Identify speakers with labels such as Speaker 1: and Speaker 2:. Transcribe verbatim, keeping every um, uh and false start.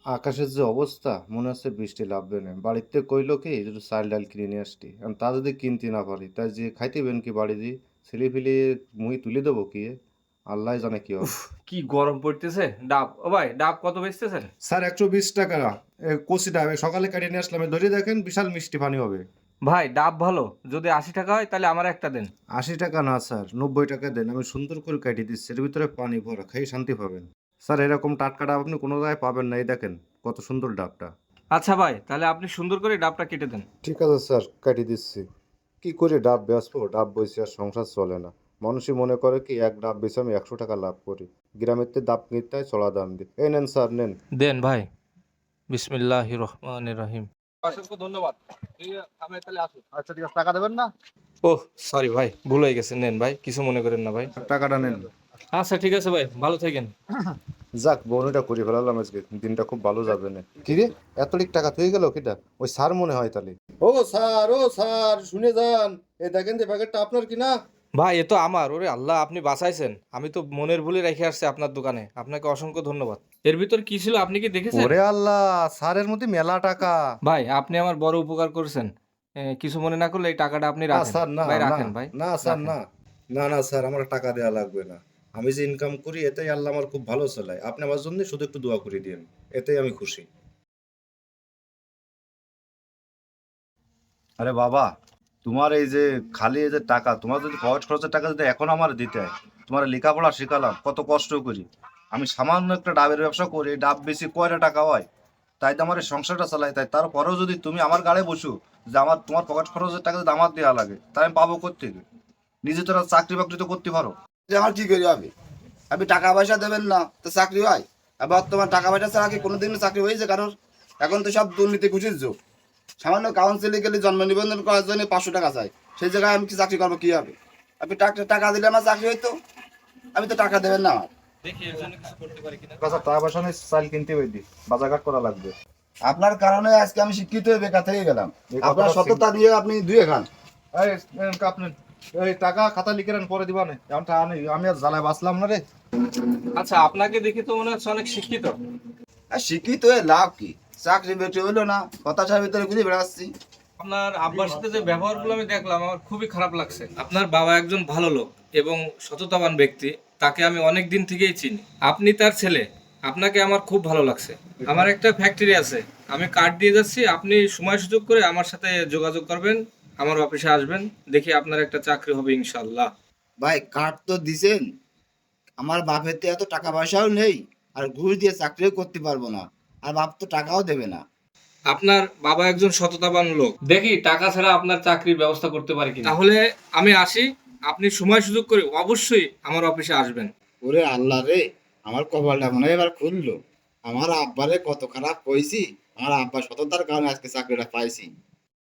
Speaker 1: আকাশের যে অবস্থা মনে হচ্ছে বৃষ্টি লাভবে না। বাড়িতে কইলো কি একটু চাল ডাল কিনে নিয়ে আসতি, এখন তা যদি কিনতে না পারি তাই যে খাইতেবেন কি বাড়ি দিয়ে ছেলে ফেলে মুই তুলে দেবো কি আল্লাহ জানে কি
Speaker 2: উফ,
Speaker 1: হবে।
Speaker 2: কি গরম পড়তেছে। ডাব, ও ভাই, ডাব কত বেচতেছেন?
Speaker 1: স্যার একশো বিশ টাকা। কচি ডাবে সকালে কাটিয়ে নিয়ে আসলাম, ধরে দেখেন বিশাল মিষ্টি পানি হবে।
Speaker 2: ভাই, ডাব ভালো। যদি আশি টাকা হয় তাহলে আমার একটা দেন।
Speaker 1: আশি টাকা না স্যার, নব্বই টাকা দেন, আমি সুন্দর করে কাটিয়ে দিচ্ছি, এর ভিতরে পানি ভরা, খেয়ে শান্তি পাবেন। স্যার এরকম টাটকা ডাব আপনি কোনো জায়গায় পাবেন না, এই দেখেন কত সুন্দর ডাবটা।
Speaker 2: আচ্ছা ভাই, তাহলে আপনি সুন্দর করে ডাবটা কেটে দেন।
Speaker 1: ঠিক আছে স্যার, কাটিয়ে দিচ্ছি। কি করে ডাব বেচবো, ডাব বেচে আর সংসার চলে না। মানুষই মনে করে কি এক ডাব বেচে আমি একশো টাকা লাভ করি, গ্রামের তে ডাব কিনতে হয় চড়া দাম দিয়ে। এই নেন স্যার নেন।
Speaker 2: দেন ভাই। বিসমিল্লাহ রহমান রহিম। অসংখ্য ধন্যবাদ। এই, আমি তাহলে আসি।
Speaker 1: আচ্ছা ঠিক আছে, টাকা দেবেন না?
Speaker 2: ওহ, সরি ভাই, ভুল হয়ে গেছে। নেন ভাই, কিছু মনে করেন না ভাই।
Speaker 1: টাকাটা নেন।
Speaker 2: আচ্ছা ঠিক আছে ভাই, ভালো থাকেন।
Speaker 1: যাক বউনিটা করে ফেলালাম, আজকে দিনটা খুব ভালো যাবে না। কি রে, এত লিক টাকা থেকে গেল কিটা? ওই স্যার মনে হয় তাহলে। ও স্যার, ও স্যার শুনে যান, এই দেখেন যে প্যাকেটটা আপনার কিনা।
Speaker 2: ভাই, এ তো আমার। ওরে আল্লাহ, আপনি বাঁচাইছেন। আমি তো মনের ভুলে রেখে আসছি আপনার দোকানে। আপনাকে অসংখ্য ধন্যবাদ। এর ভিতর কি ছিল আপনি কি দেখেছেন?
Speaker 1: ওরে আল্লাহ, স্যারের মধ্যে মেলা টাকা।
Speaker 2: ভাই, আপনি আমার বড় উপকার করেছেন। এ, কিছু মনে না করলে এই টাকাটা আপনি
Speaker 1: না
Speaker 2: রাখেন।
Speaker 1: স্যার, না
Speaker 2: ভাই
Speaker 1: না,
Speaker 2: রাখেন ভাই।
Speaker 1: না স্যার
Speaker 2: রাখেন।
Speaker 1: না, না না স্যার, আমার টাকা দেওয়া লাগবে না। আমি যে ইনকাম করি এতেই আল্লাহ আমার খুব ভালো চালায়, আপনি আমার জন্য শুধু একটু দোয়া করে দিন, এতেই আমি খুশি। আরে বাবা, তোমার এই যে খালি এই যে টাকা, তোমার যদি পকেট খরচের টাকা যদি এখন আমার দিতে হয়, তোমার লেখাপড়া শেখালাম কত কষ্ট করি, আমি সামান্য একটা ডাবের ব্যবসা করি, এই ডাব বেশি কয়টা টাকা হয়, তাই তো আমার এই সংসারটা চালাই। তাই তারপরেও যদি তুমি আমার গাড়ে বসো যে আমার তোমার পকেট খরচের টাকা যদি আমার দেওয়া লাগে, তাই আমি পাবো কোত্থেকে? নিজে তোরা চাকরি বাকরি তো করতে পারো।
Speaker 3: যে আমার কি করি হবে? আপনি টাকা পয়সা দেবেন না তো চাকরি হয়? আর বর্তমান টাকা পয়সা ছাড়া কি কোনোদিন চাকরি হয়েছে কারোর? এখন তো সব দুর্নীতি ঘুষির যুগ। সামান্য কাউন্সিলে গেলে জন্ম নিবন্ধন করার জন্য পাঁচশো টাকা চাই, সেই জায়গায় আমি কি চাকরি করবো কি হবে? আপনি টাকা টাকা দিলে আমার চাকরি হইতো, আমি তো টাকা দেবেন না আমার।
Speaker 2: দেখি এর জন্য কিছু করতে পারি কিনা।
Speaker 1: আচ্ছা টাকা পয়সা নেই, চাল কিনতে হইদি, বাজারঘাট করা লাগবে।
Speaker 3: আপনার কারণে আজকে আমি শিক্ষিত হয়ে বেকার থেকে গেলাম।
Speaker 1: এই
Speaker 3: আপনার
Speaker 1: কথাটা
Speaker 3: সততা দিয়ে আপনি দুয়ে খান।
Speaker 1: এই আপনি এই টাকা খাতা লিখে নেন, পরে দিবা না, এমন টাকা নেই, আমি আর জ্বালায় বাঁচলাম না রে।
Speaker 2: আচ্ছা, আপনাকে দেখে তো মনে হচ্ছে অনেক শিক্ষিত।
Speaker 3: আর শিক্ষিত হয়ে লাভ কি? চাকরি বেটে হইলো না, হতাশার ভিতরে ঘুরে বেড়াচ্ছি।
Speaker 2: আপনার আব্বার সাথে যে ব্যবহারগুলো আমি দেখলাম, আমার খুবই খারাপ লাগছে। আপনার বাবা একজন ভালো লোক এবং সততাবান ব্যক্তি। তাকে আমি অনেক দিন থেকেই চিনি। আপনি তার ছেলে। আপনাকে আমার খুব ভালো লাগছে। আমার একটা ফ্যাক্টরি আছে, আমি কার্ড দিয়ে যাচ্ছি। আপনি সময় সুযোগ করে আমার সাথে যোগাযোগ করবেন, আমার অফিসে আসবেন। দেখি আপনার একটা চাকরি হবে ইনশাল্লাহ।
Speaker 3: ভাই কার্ড তো দিছেন, আমার বাপের তো এত টাকা পয়সাও নেই, আর ঘুষ দিয়ে চাকরিও করতে পারবো না, আর বাপ তো টাকাও দেবে না।
Speaker 2: আপনার বাবা একজন সততাবান লোক, দেখি টাকা ছাড়া আপনার চাকরির ব্যবস্থা করতে পারি কিনা। তাহলে আমি আসি। আপনি সময় সুযোগ করে অবশ্যই আমার অফিসে আসবেন।
Speaker 3: ওরে আল্লাহ রে, আমার কপালটা মনে হয় এবার খুললো। আমার আব্বারে কত খারাপ কইছি, আমার আব্বা সততার কারণে আজকে চাকরিটা পাইছি।